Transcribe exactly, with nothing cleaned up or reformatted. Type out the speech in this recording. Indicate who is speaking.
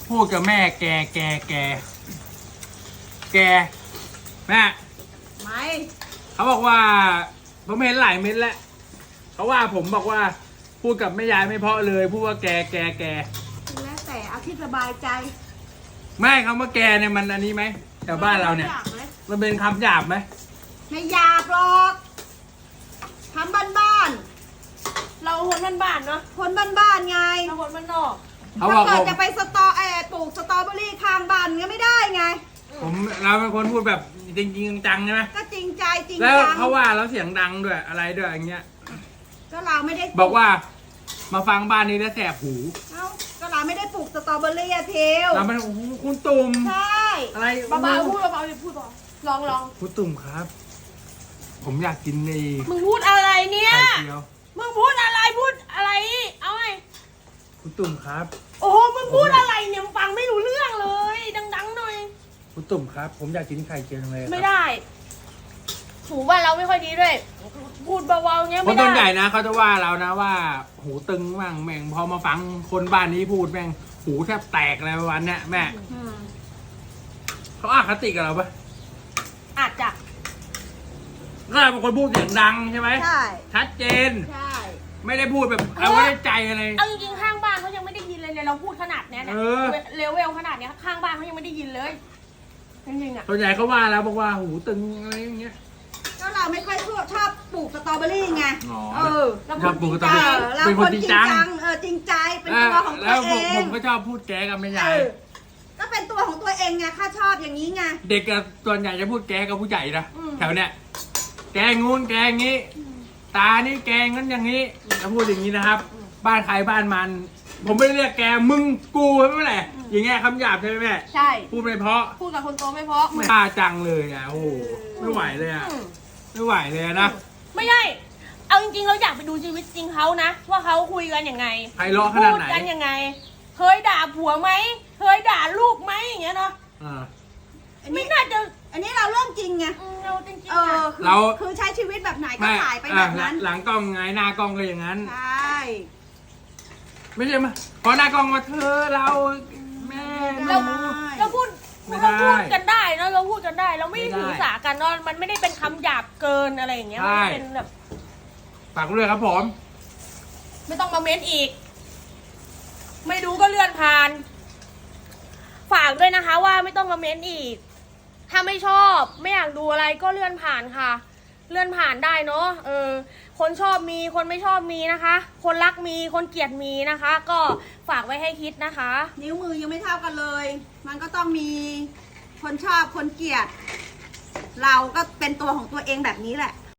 Speaker 1: พูดกับแม่แกแกแกแกแม่
Speaker 2: ไม่
Speaker 1: เขาบอกว่าผมเห็นหลายเม็ดแล้วเขาว่าผมบอกว่าพูดกับแม่ยายไม่เพราะเลยพูดว่าแกแกแก
Speaker 2: แล้วแต่เอาที่สบายใจ
Speaker 1: ไม่คำว่าแกเนี่ยมันอันนี้ไหมแถวบ้านเราเนี่ยมันเป็นคำหยาบไหม
Speaker 2: ไม่หยาบหรอกทำบ้าน
Speaker 3: ๆเราคนบ้านๆเนาะ
Speaker 2: คนบ้านๆไง
Speaker 3: เราคนบ้านนอก
Speaker 2: ถ้าเกิดจะไปสตอแอปลูกสตรอเบอรี่ข้างบ้านก็ไม่ได้ไง
Speaker 1: ผมเราเป็นคนพูดแบบจริงจริงจังใช่ไหม
Speaker 2: ก็จริงใจจริงจัง
Speaker 1: แล้วเขาว่าแล้วเสียงดังด้วยอะไรด้วยอย่างเงี้ย
Speaker 2: ก็เราไม่ได้
Speaker 1: บอกว่ามาฟังบ้านนี้แล้วแสบหู
Speaker 2: เอ้าก็เราไม่ได้ปลูกสตรอเบอรี่อะเทียว
Speaker 1: เราไม่โอ้โหคุณตุ่ม
Speaker 2: ใช่
Speaker 1: อะไร
Speaker 3: เบาๆพูดเบาๆอย่าพูดเบาลองลอง
Speaker 1: คุณตุ่มครับผมอยากกินใน
Speaker 3: มึงพูดอะไรเนี่ย
Speaker 1: ไข่เจียว
Speaker 3: มึงพูดอะไรพูดอะไรเอาไง
Speaker 1: คุณตุ่มครับ
Speaker 3: โอ้โหมึงพูดอะไรเนี่ยมึงฟังไม่รู้เรื่องเลยดังๆหน่อย
Speaker 1: คุณตุ่มครับผมอยากกินไข่เจียวเลย
Speaker 3: ไม่ได้หูว่าเราไม่ค่อยดีด้วยพูดเบาๆเงี้ยไม่ได้
Speaker 1: คนใหญ่นะเขาจะว่าเรานะว่าหูตึงบ้างแม่งพอมาฟังคนบ้านนี้พูดแม่งหูแทบแตกอะไรประมาณเนี้ยแม่เขาอาคติกับเราปะ
Speaker 3: อาจจะ
Speaker 1: ก็เป็นคนพูดเสียงดังใช่ไหม
Speaker 2: ใช่
Speaker 1: ชัดเจน
Speaker 2: ใช่
Speaker 1: ไม่ได้พูดแบบเอาไว้ในใจอะไร
Speaker 3: เอาจริงๆข้างบ้านเขายังไม่ได้ยินเลยเราพูดขนาดเนี้ยเนี่ยเลเวลขนาดเนี้ยข้างบ้านเขายังไม่ได้ยินเลยจริงๆอ่ะ
Speaker 1: ส่วนใหญ่เขาว่าแล้วบอกว่าหูตึงอะไรอย่างเงี้ย
Speaker 2: ก็เราไม่ค่อยชอบชอบปลูกสตรอเบอรี่ไงเออ
Speaker 1: ชอบปลูกสตรอเบอรี่
Speaker 2: เราคนจริงจังเออจริงใจเป็นตัวของตัวเอง
Speaker 1: แล้วผมก็ชอบพูดแกกับแม่ยาย
Speaker 2: ก็เป็นตัวของตัวเองไงข้าชอบอย่างนี้ไง
Speaker 1: เด็กกับส่วนใหญ่จะพูดแกกับผู้ใหญ่นะแถวเนี้ยแกงูนแกงี้ตานี่แกงั้นอย่างนี้จะพูดอย่างนี้นะครับบ้านใครบ้านมันผมไม่ได้เรียกแกมึงกูใช่ไหมแหละอย่างเงี้ยคำหยาบใช่ไหมแม่
Speaker 3: ใช่
Speaker 1: พูดไม่เพราะ
Speaker 3: พูดกับคนโตไม่เพราะ
Speaker 1: ไม่กล้าจังเลยอ่ะโอ้โหไม่ไหวเลยอ่ะไม่ไหวเลยนะ
Speaker 3: ไม่ใช่เอาจริงๆเราอยากไปดูชีวิตจริงเขานะว่าเขาคุยกันยังไง
Speaker 1: ไพเราะขนาดไหน
Speaker 3: พูดกันยังไงเคยด่าผัวไหมเคยด่าลูกไหมอย่างเงี้ยเนาะไม่น่าจะ
Speaker 2: อันนี้เราเรื่องจริงไง
Speaker 3: เราจริงๆ
Speaker 2: เออเราคือใช้ชีวิตแบบไหนก็ถ่ายไปแบบนั้น
Speaker 1: หลังกล้องไงหน้ากล้องก็อย่างนั้น
Speaker 2: ใช่
Speaker 1: ไม่ใช่มาพอหน้ากล้องมาเธอเราแม่
Speaker 3: เราเราพูดเราพูดกันได้นะเราพูดกันได้เราไม่ถือสากันเนาะมันไม่ได้เป็นคำหยาบเกินอะไรอย่างเงี้ยมันเป็นแบบ
Speaker 1: ฝากด้วยครับผม
Speaker 3: ไม่ต้องมาเม้นอีกไม่ดูก็เลื่อนผ่านฝากด้วยนะคะว่าไม่ต้องมาเม้นอีกถ้าไม่ชอบไม่อยากดูอะไรก็เลื่อนผ่านค่ะเลื่อนผ่านได้เนาะเออคนชอบมีคนไม่ชอบมีนะคะคนรักมีคนเกลียดมีนะคะ ก็ฝากไว้ให้คิดนะคะ
Speaker 2: นิ้วมือยังไม่เท่ากันเลยมันก็ต้องมีคนชอบคนเกลียดเราก็เป็นตัวของตัวเองแบบนี้แหละ